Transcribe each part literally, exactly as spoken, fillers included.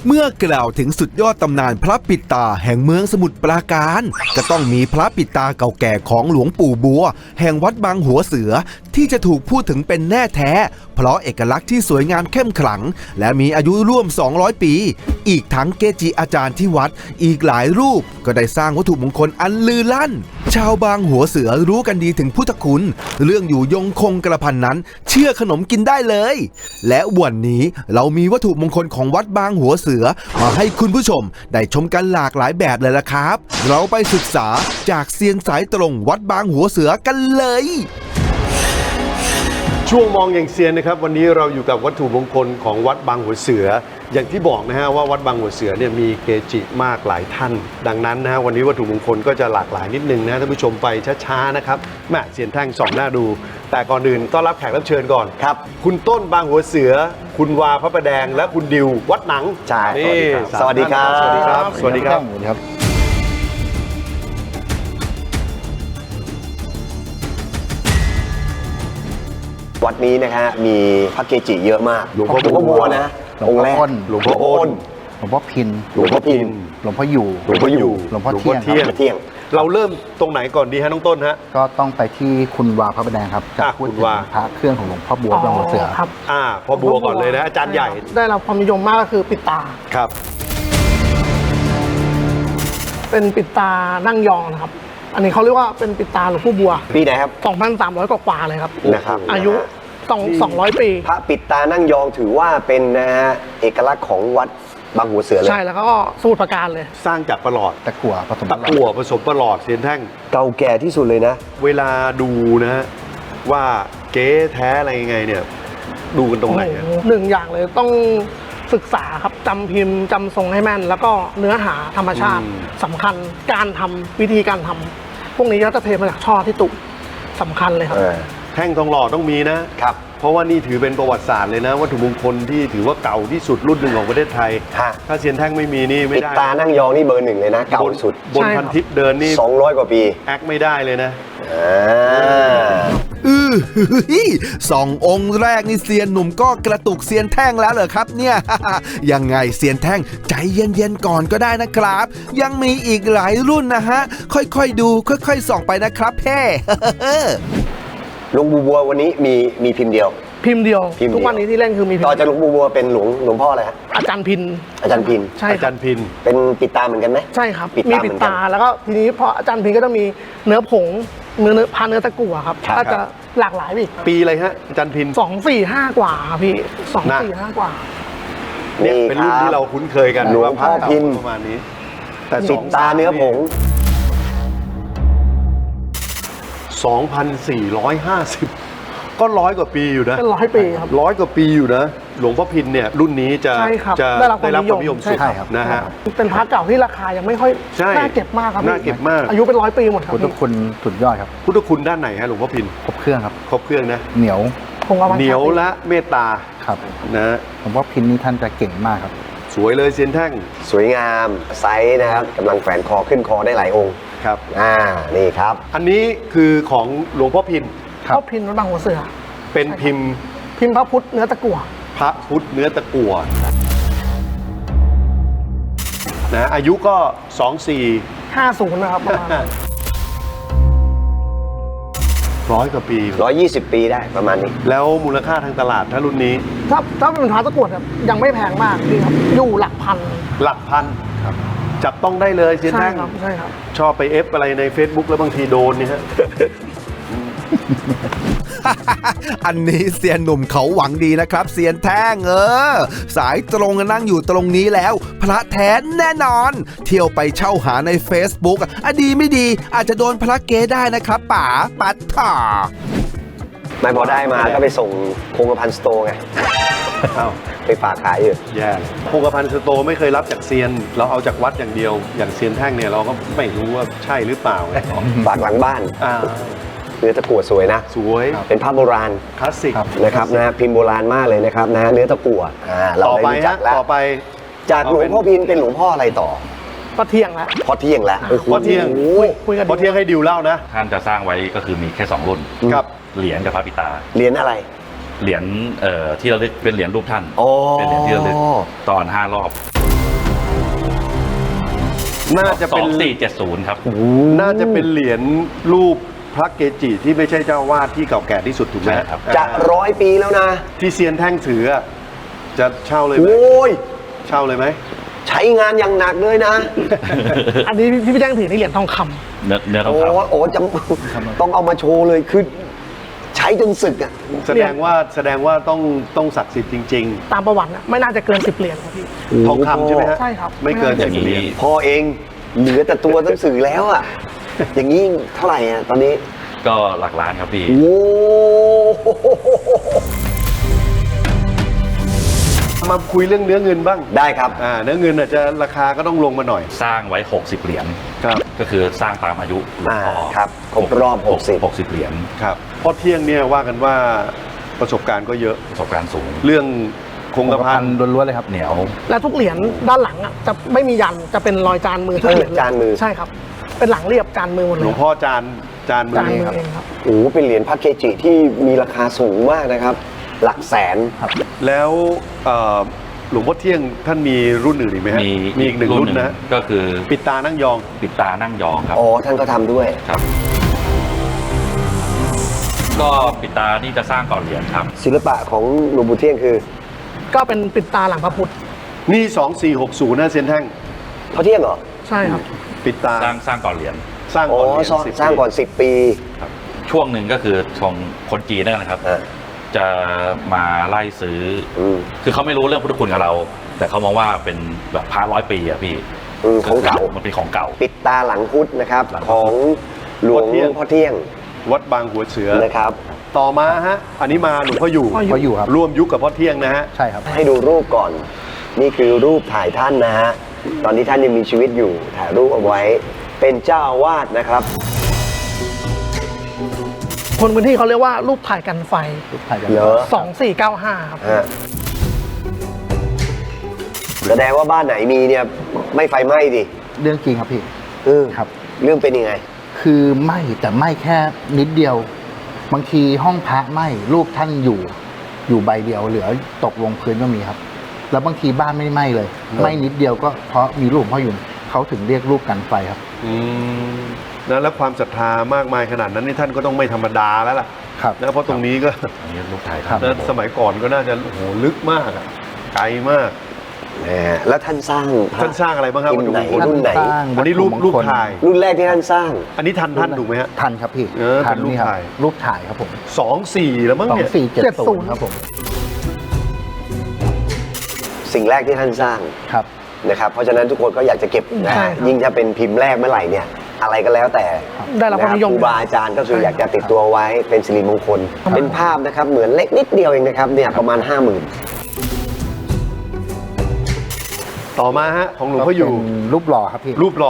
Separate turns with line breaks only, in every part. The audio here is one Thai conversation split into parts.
เมื่อกล่าวถึงสุดยอดตำนานพระปิดตาแห่งเมืองสมุทรปราการก็ต้องมีพระปิดตาเก่าแก่ของหลวงปู่บัวแห่งวัดบางหัวเสือที่จะถูกพูดถึงเป็นแน่แท้เพราะเอกลักษณ์ที่สวยงามเข้มขลังและมีอายุร่วมสองร้อยปีอีกทั้งเกจิอาจารย์ที่วัดอีกหลายรูปก็ได้สร้างวัตถุมงคลอันลือลั่นชาวบางหัวเสือรู้กันดีถึงพุทธคุณเรื่องอยู่ยงคงกระพันนั้นเชื่อขนมกินได้เลยและวันนี้เรามีวัตถุมงคลของวัดบางหัวเสือมาให้คุณผู้ชมได้ชมกันหลากหลายแบบเลยล่ะครับเราไปศึกษาจากเซียนสายตรงวัดบางหัวเสือกันเลย
ช่วงมองอย่างเซียนนะครับวันนี้เราอยู่กับวัตถุมงคลของวัดบางหัวเสืออย่างที่บอกนะฮะว่าวัดบางหัวเสือเนี่ยมีเกจิมากหลายท่านดังนั้นนะฮะวันนี้วัตถุมงคลก็จะหลากหลายนิดนึงนะท่านผู้ชมไปช้าๆนะครับแม่เซียนแท่งส่องหน้าดูแต่ก่อนอื่นต้อนรับแขกรับเชิญก่อนครับคุณต้นบางหัวเสือคุณวาพระประแดงและคุณดิววัดหนัง
ใช่
สวัสดีครับสวัสดีครับสวัสดีครับ
วัดนี้นะฮะมีพระเกจิเยอะมาก
หลวงพ่อ
บัวนะองค์แรก
หลวงพ่ออ้น
หลวงพ่อพิน
หลวงพ่อพิน
หลวงพ่ออยู่
หลวงพ่ออยู่
หลวงพ่อเที่ยง
เที่ยงเราเริ่มตรงไหนก่อนดีฮะน้องต้นฮะ
ก็ต้องไปที่คุณวาพระประแดงครับจะพูดถึงพระเครื่องของหลวงพ่อบัวบางหัวเสือ
ครับ
อ่าพ่อบัวก่อนเลยนะอาจารย์ใหญ่
ได้รับความนิยมมากก็คือปิดตา
ครับ
เป็นปิดตานั่งยองนะครับอันนี้เขาเรียกว่าเป็นปิดตาหลวงพ่อบัว
ปีไหนครับ
สองพันสามร้อย กว่าๆเลยครับ
นะครับ
อายุสองร้อยปี
พระปิดตานั่งยองถือว่าเป็นนะฮะเอกลักษณ์ของวัดบางหัวเสือเลย
ใช่แล้วก็สมุทรปราการเลย
สร้างจากประหลอด
ตะกั่วผสม
ตะกั่วผสมประหลอดเซียนแท่ง
เก่าแก่ที่สุดเลยนะ
เวลาดูนะฮะว่าเก๊แท้อะไรยังไงเนี่ยดูกันตรงไหน
หนึ่งอย่างเลยต้องศึกษาครับจำพิมพ์จำทรงให้แม่นแล้วก็เนื้อหาธรรมชาติสำคัญการทำวิธีการทำพวกนี้ก็จะเทมาจากช่อที่ตุสำคัญเลยครับ
แท่งทองหล่อต้องมีนะครับเพราะว่านี่ถือเป็นประวัติศาสตร์เลยนะวัตถุมงคลที่ถือว่าเก่าที่สุดรุ่นหนึ่งของประเทศไทยถ้าเซียนแท่งไม่มีนี่ไม่ได้
ปิดตานั่งยองนี่เบอร์หนึ่งเลยนะเก่าสุด
บนพันทิปเดินนี่
สองร้อยกว่าปี
แอคไม่ได้เลยนะ
อือสององค์แรกนี่เซียนหนุ่มก็กระตุกเซียนแท่งแล้วเหรอครับเนี่ยยังไงเซียนแท่งใจเย็นๆก่อนก็ได้นะครับยังมีอีกหลายรุ่นนะฮะค่อยๆดูค่อยๆส่องไปนะครับเพ่
หลวงปู่บัววันนี้มีมีพิมพ์เดียว
พิมพ์เดียวทุกวันนี้ที่เล่นคือมี
ต่อจากหลวงปู่บัวเป็นหลวงหลวงพ่ออะไรฮะ
อาจารย์พิน
อาจารย์พิน
ใช่
อาจารย์พิน
เป็นปิดตาเหมือนกันไหม
ใช่ครับมีปิดตาแล้วก็ทีนี้พออาจารย์พินก็จะมีเนื้อผงเนื้อเนื้อพาเนื้อตะกั่วครับก็จะหลากหลายอีก
ปีอะไรฮะอาจารย์พิน
สองสี่ห้ากว่าพี่สองสี่ห้ากว่า
เนี่ยเป็นรุ่นที่เราคุ้นเคยกัน
หลวงพ่อพิน
ประมาณนี้
แต่ปิดตาเนื้อผง
สองพันสี่ร้อยห้าสิบก็ร้อยกว่าปีอยู่นะ
เป็นร้อยปีครับ
ร้อยกว่าปีอยู่นะหลวงพ่อพินเนี่ยรุ่นนี้จะจะได้รับความนิยมสุดนะฮะ
เป็นพระเก่าที่ราคายังไม่ค่อยน่าเก็บมากครับ
น่าเก็บมาก
อายุเป็นร้อยปีหมดครับ
พุทธคุณสุดยอดครับ
พุทธคุณด้านไหนฮะหลวงพ่อพิน
ครบเครื่องครับ
ครบเครื่องนะ
เหนียว
เหนียวและเมตตา
ครับ
นะ
หลวงพ่อพินนี่ท่านจะเก่งมากครับ
สวยเลยเซียนแท่ง
สวยงามไซส์นะครับกำลังแฝนคอขึ้นคอได้หลายองค์
ครับ
อ่านี่ครับ
อันนี้คือของหลวงพ่อพิน
พ่อพินวัดบางหัวเสือ
เป็นพิมพ์
พิมพ์พระพุทธเนื้อตะกั่ว
พระพุทธเนื้อตะกั่วนะอายุก็สองสี่
ห้าศูนย์นะครับประมาณ
ร้อยกว่าปี
ร้อยยี่สิบปีได้ประมาณนี้
แล้วมูลค่าทางตลาดถ้ารุ่นนี้
ถ้าถ้าเป็นพระตะกั่วครับยังไม่แพงมากดีครับอยู่หลักพัน
หลักพันครับจับต้องได้เลยเซียนแท่ง
ใช่ครับใช่ครับ
ชอบไปเอฟอะไรใน Facebook แล้วบางทีโดนนี่ฮะ
อันนี้เซียนหนุ่มเขาหวังดีนะครับเซียนแท่งเออสายตรงนั่งอยู่ตรงนี้แล้วพระแท้แน่นอนเที่ยวไปเช่าหาใน Facebook อ่ะดีไม่ดีอาจจะโดนพระเก๊ได้นะครับป๋าปัดถ่า
ไม่พอได้มาก็ไปส่งคงกระพันสโตร์ไงไปฝากขายอยู่
แย่คงกระพันสโตร์ไม่เคยรับจากเซียนเราเอาจากวัดอย่างเดียวอย่างเซียนแท่งเนี่ยเราก็ไม่รู้ว่าใช่หรือเปล่า
ฝากหลังบ้านเนื้อตะกั่วสวยนะ
สวย
เป็นภาพโบราณ
คลาสสิก
นะครับนะพิมพ์โบราณมากเลยนะครับนะเนื้อตะกั่ว
ต่อไปฮะต่อไป
จากหลวงพ่อพินเป็นหลวงพ่ออะไรต่อ
พ่อเที่ยงแล้ว
พ่อเที่ยงแล้ว
พ่อเที่ยงพ่อเที่ยงให้ดิวเล่านะ
ท่านจะสร้างไว้ก็คือมีแค่สองรุ่น
ครับ
เหรียญกับพระปิตา
เหรียญอะไร
เหรียญเอ่อที่เราเรียกเป็นเหรียญรูปท่านเป็นเหรียญที่เราเรียกตอนห้ารอบ
น่าจะ
ส
เป็
อน งสี่เจ็ดศูนย์ครับ
น่าจะเป็นเหรียญรูปพระเกจิที่ไม่ใช่เจ้าวาดที่เก่าแก่ที่สุดถูกไหม
ใช่ครับ
จะร้อยปีแล้วนะ
ที่เซียนแท่งถืออะจะเช่าเลยไหม
โอ้ย
เช่าเลยไหม
ใช้งานอย่างหนักเลยนะ
อันนี้ที่พี่แจ้งถือนี่เหรียญทองคำ
เนื้อเนื้อทอง
โอ้
คำ
โอ้จำต้องเอามาโชว์เลยคือใช้จนสึกอ่ะ
แสดงว่าแสดงว่าต้องต้องศักดิ์สิทธิ์จริง
ตามประวัตินะไม่น่าจะเกินสิบเหรียญครับพี่
ๆ ทองคำใช่ไหมฮะ
ใช่ครับ
ไม่เกิน
อ
สิ
ย่า
บ
ง
เหรี
นี้
ยญ
พอเองเหลือแต่ตัวหนังสือแล้วอ่ะ อย่างนี้เท่าไหร่อ่ะตอนนี้
ก็หลักล้านครับพี่
โอ้
มาคุยเรื่องเนื้อเงินบ้าง
ได้ครับ
อ่าเนื้อเงินอาจจะราคาก็ต้องลงมาหน่อย
สร้างไว้หกสิบเหรียญ
ครับ
ก็คือสร้างตามอายุหลวงพ่อ
อ่าครับครบรอบหกสิบ
หกสิบเหรียญ
ครับเพราะเที่ยงเนี่ยว่ากันว่าประสบการณ์ก็เยอะ
ประสบการณ์สูง
เรื่องคงกระพัน
ล้วนๆเลยครับ
เหนียว
และทุกเหรียญด้านหลังอ่ะจะไม่มียันจะเป็นรอยจานมือทุกเหรียญเลย
จานมือ
ใช่ครับ เป็นหลังเรียบจานมือหมด
ห
เล
ล
ยว
งพ่อจานจานมื
จาน
อ
มือ
ครับ
เองครับ
โหเป็นเหรียญพระเกจิที่มีราคาสูงมากนะครับ หลักแสน
แล้วเอ่อหลวงพ่อเที่ยงท่านมีรุ่นอื่นอีกไหมฮะ
มี
มีอีกหนึ่งรุ่นนะ
ก็คือ
ปิดตานั่งยอง
ปิดตานั่งยองครับ
อ๋อ ท่านก็ทำด้วย
ครับ ก็ปิดตานี่จะสร้างก่อนเหรียญครับ
ศิลปะของหลวงปู่เที่ยงคือ
ก็เป็นปิดตาหลังพระพุทธ
นี่สองสี่หกศูนย์นะเซียนแท่ง
พระเที่ยงเหรอ
ใช่ครับ
ปิดตา
สร้างสร้างก่อนเหรียญ
สร้าง
อ๋อ
ก่อนเหรียญ
สร้าง
สิบ
สร้างก่อน
ปี
สิบปี
ช่วงหนึ่งก็คือของคนจีนนั่นนะครับ
อ่า
จะมาไล่ซื้ออ
อืม
คือเขาไม่รู้เรื่องพุทธคุณกับเรา แต่เขามองว่าเป็นแบบพระร้อยปีอะพี่
อืมของเก่า
มันเป็นของเก่า
ปิดตาหลังพุทธนะครับ
หลังพุทธ
ของหลวงพ่อเที่ยง
วัดบางหัวเสือ
นะครับ
ต่อมาฮะ อันนี้มาหลวงพ่ออยู่
พ่อ
เขาอยู่ครับ
ร่วมยุคกับพ่อเที่ยงนะฮะ
ใช่ครับ
ให้ดูรูปก่อน นี่คือรูปถ่ายท่านนะฮะ ตอนที่ท่านยังมีชีวิตอยู่ ถ่ายรูปเอาไว้ เป็นเจ้าอาวาสนะครับ
คนพื้นที่เขาเรียกว่ารูปถ่ายกันไฟ
รูปถ่ายกัน
เหรอ
สองสี่เก้าห้าครับ
ฮะแสดงว่าบ้านไหนมีเนี่ยไม่ไฟไหม้ดิ
เรื่องจริงครับพี่
เออ
ครับ
เรื่องเป็นยังไง
คือไหม้แต่ไหม้แค่นิดเดียว บางทีห้องพระไหม้รูปท่านอยู่ อยู่ใบเดียวเหลือตกลงพื้นก็มีครับ แล้วบางทีบ้านไม่ได้ไหม้เลยไหม้นิดเดียวก็เพราะมีรูปพ่ออยู่เขาถึงเรียกรูปกันไฟครับ
อืมนะแล้วความศรัทธามากมายขนาดนั้นนี่ท่านก็ต้องไม่ธรรมดาแล้วล่ะ
ครับ
นะเพราะตรงนี้ก็
อันนี้ลูกถ่าย
ครับ
นะสมัยก่อนก็น่าจะโอ้โหลึกมากอะไกลมาก
นะฮะแล้วท่านสร้างพะ
ท่านสร้างอะไรบ้างครับ
พิมพ์ไหน
วัตถุมงคล
รุ่นไหน
สร้าง
อันนี้รูป
วัตถุมงคล
รูปถ่าย
รุ่นแรกที่ท่านสร้าง
อันนี้ทันท่านถูกไหมฮะ
ทันครับพี่
เออ
ทั
เป็นรูป
นี่ครับ
ถ่าย
รูปถ่ายครับผม
สองสี่แล้วมั้ง
สอง
เนี่ย
สี่เจ็ดศูนย์ครับผม
สิ่งแรกที่ท่านสร้าง
ครับ
นะครับ เพราะฉะนั้นทุกคนก็อยากจะเก็บนะ
ใช่
ฮะ
ครับ
ยิ่งถ้าเป็นพิมพ์แรกเมื่อไหร่เนี่ย อะไรก็แล้วแต่
ได้รับความนิยม
ะครูบาอาจารย์ก็คืออยากจะติดตัวไว้เป็นสิริมงคล เป็นภาพนะครับ เหมือนเล็กนิดเดียวเองนะครับเนี่ยประมาณห้าหมื่น
ต่อมาฮะของหลวงพ่ออยู่
ก็เป็นรูปหล่อครับพี่
รูปหล่อ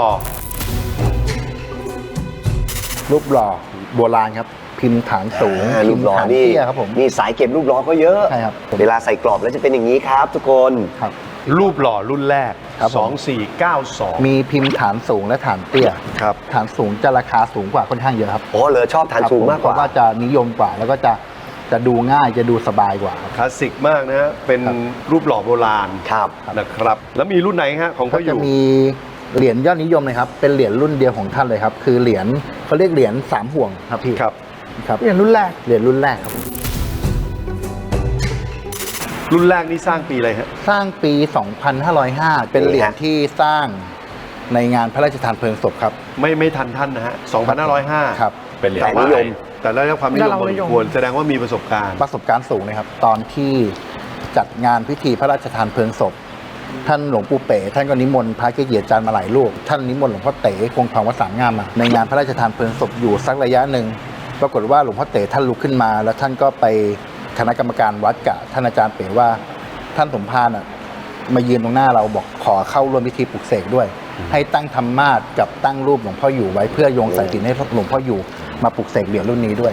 รูปหล่อโบราณครับ พิมพ์ฐานสูง
อ่ารูปหล่อ
พิมพ์ฐาน
นี่
เตี้ยครับผม
นี่สายเก็บรูปหล่อก็เยอะ
ใช่ครับผม
เวลาใส่กรอบแล้วจะเป็นอย่างนี้ครับ ทุกคน
ครับ
รูปหล่อรุ่นแรก
ครับผม
สองสี่เก้าสอง
มีพิมพ์ฐานสูงและฐานเตี้ย
ครับ
ฐานสูงจะราคาสูงกว่าค่อนข้างเยอะครับ
อ๋อเหรอชอบฐานสูงมากกว่า
เพระว่าจะนิยมกว่า แล้วก็จะจะดูง่ายจะดูสบายกว่าครับ
คลาสสิกมากนะฮะเป็น
ครับ
รูปหล่อโบราณ
ครับ
นะครับ แล้วมีรุ่นไหนฮะของพ่
ก็
ออ
จะ
ยู่
มีเหรียญยอดนิยมเลยครับ เป็นเหรียญรุ่นเดียวของท่านเลยครับ คือเหรียญเขาเรียกเหรียญสามห่วงครับพี่
ครับ
ครับ
เหรียญรุ่นแรก
เหรียญรุ่นแรกครับ
รุ่นแรกนี่สร้างปีอะไรฮะ
สร้างปี สองพันห้าร้อยห้า เป็นเหรียญที่สร้างในงานพระราชทานเพลิงศพครับ
ไม่ไม่ทันท่านนะฮะสองพันห้าร้อยห้า
ครับ
เป็นเหรียญ
แต่นิยม
แต่ได้รับความนิยม
ได้รับ
พ
ความ
อ
นิ
ส
ย
ม
ม
ควรแสดงว่ามีประสบการณ์
ประสบการณ์สูงเลยครับ ตอนที่จัดงานพิธีพระราชทานเพลิงศพ ท่านหลวงปู่เป๋ท่านก็นิมนต์พระเกจิอาจารย์มาหลายรูปท่านนิมนต์หลวงพ่อเต๋คงทองวัดสามงามมาในงานพระราชทานเพลิงศพอยู่สักระยะหนึ่งปรากฏว่าหลวงพ่อเต๋ท่านลุกขึ้นมา แล้วท่านก็ไปคณะกรรมการวัดกับท่านอาจารย์เป๋ว่าท่านสมภารอ่ะมายืนตรงหน้าเราบอกขอเข้าร่วมพิธีปลุกเสกด้วย ให้ตั้งธรรมาสน์กับตั้งรูปหลวงพ่ออยู่ไว้เพื่อโยงสายสิญจน์ให้หลวงพ่ออยู่มาปลุกเสกเหรียญรุ่นนี้ด้วย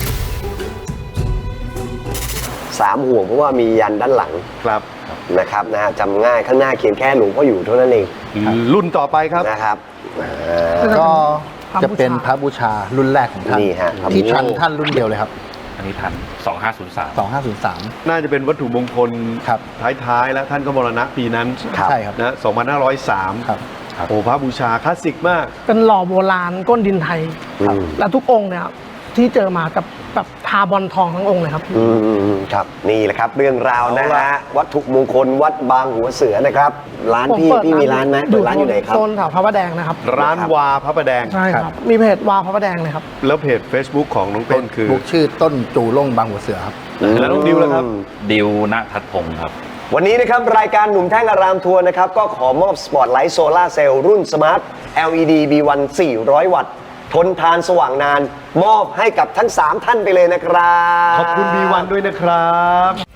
สามห่วงเพราะว่ามียันด้านหลัง
ครับ
นะครับนะฮะจำง่ายข้างหน้าเขียนแค่หลวงพ่ออยู่เท่านั้นเอง
รุ่นต่อไปครับ
นะครับอ่า
ก็
พระบูชา
จะเป็นพระบูชารุ่นแรกของท่าน
นี่ฮะ
ที่ทันท่านรุ่นเดียวเลยครับ
นนี้ทันสองห้าศูนย์สาม
สองห้าศูนย์สาม
น่าจะเป็นวัตถุมงคล
ครับ
ท้ายๆ แล้วท่านก็มรณะปีนั้น
ครับ
ใช่ครับ
นะสองพันห้าร้อยสาม
ครับ
โอ้พระบูชาคลาสสิกมาก
เป็นหล่อโบราณก้นดินไทย
อืม
และทุกองค์เนี่ยครับที่เจอมากับแบบทาบอลทองทั้งองค์เลยครับ
อืมครับนี่แหละครับเรื่องราวนะฮะวัตถุมงคลวัดบางหัวเสือนะครับ ร้าน
ผม
พี่
เปิด
พี่มีร้านไหมเปิดร้านอยู่ไหนครับ
โซนแถวพระประแดงนะครับ
ร้านวาพระประแดง
ใช่ครับ มีเพจวาพระประแดงเลยครับ
แล้วเพจ Facebook ของน้องต้นคือ
บุกชื่อต้นจูล่งบางหัวเสือครับ
แล้วน้องดิวล่ะครับ
ดิวณทัศพงศ์ครับ
วันนี้นะครับรายการหนุ่มแท่งอารามทัวร์นะครับก็ขอมอบสปอตไลท์โซลาร์เซลล์รุ่นสมาร์ท แอล อี ดี บี วัน สี่ร้อย วัตต์ ทนทานสว่างนาน มอบให้กับทั้ง สาม ท่านไปเลยนะครับ
ขอบคุณ บี วัน ด้วยนะครับ